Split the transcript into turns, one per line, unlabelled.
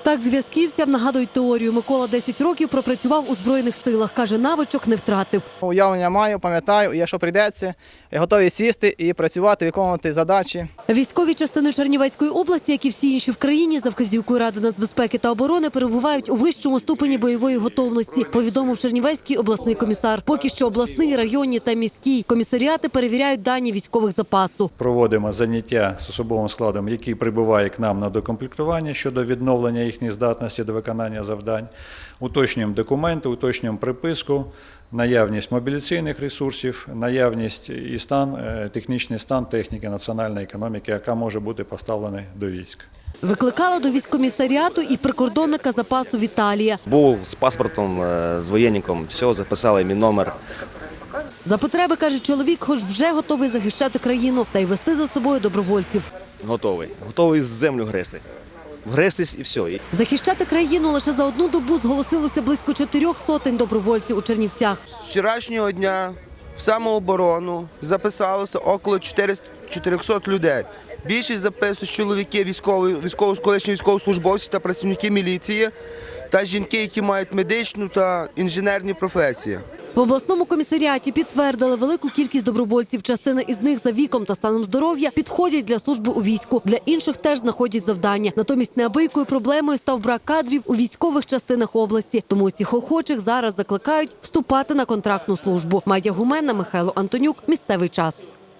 Так зв'язківцям нагадують теорію. Микола 10 років пропрацював у Збройних силах. Каже, навичок не втратив.
Уявлення маю, пам'ятаю, і якщо прийдеться, готові сісти і працювати, виконувати задачі.
Військові частини Чернівецької області, як і всі інші в країні, за вказівкою Ради нацбезпеки та оборони, перебувають у вищому ступені бойової готовності, повідомив Чернівецький обласний комісар. Поки що обласний, районні та міські комісаріати перевіряють дані військових запасу.
Проводимо заняття з особовим складом, який прибуває к нам на докомплектування щодо відновлення їхньої здатності до виконання завдань. Уточнюємо документи, уточнюємо приписку, наявність мобілізаційних ресурсів, наявність і стан, технічний стан техніки національної економіки, яка може бути поставлена до військ.
Викликала до військкомісаріату і прикордонника запасу Віталія.
Був з паспортом, з воєнником, все, записали мій номер.
За потреби, каже чоловік, хоч вже готовий захищати країну та й вести за собою добровольців.
Готовий. Готовий з землю грести. Вгрестись і все.
Захищати країну лише за одну добу зголосилося близько 400 добровольців у Чернівцях.
З вчорашнього дня в самооборону записалося около 400 людей. Більшість записують чоловіки, колишні військовослужбовці та працівники міліції, та жінки, які мають медичну та інженерні професії.
В обласному комісаріаті підтвердили велику кількість добровольців. Частина із них за віком та станом здоров'я підходять для служби у війську. Для інших теж знаходять завдання. Натомість неабиякою проблемою став брак кадрів у військових частинах області. Тому усіх охочих зараз закликають вступати на контрактну службу. Майя Гуменна, Михайло Антонюк. Місцевий час.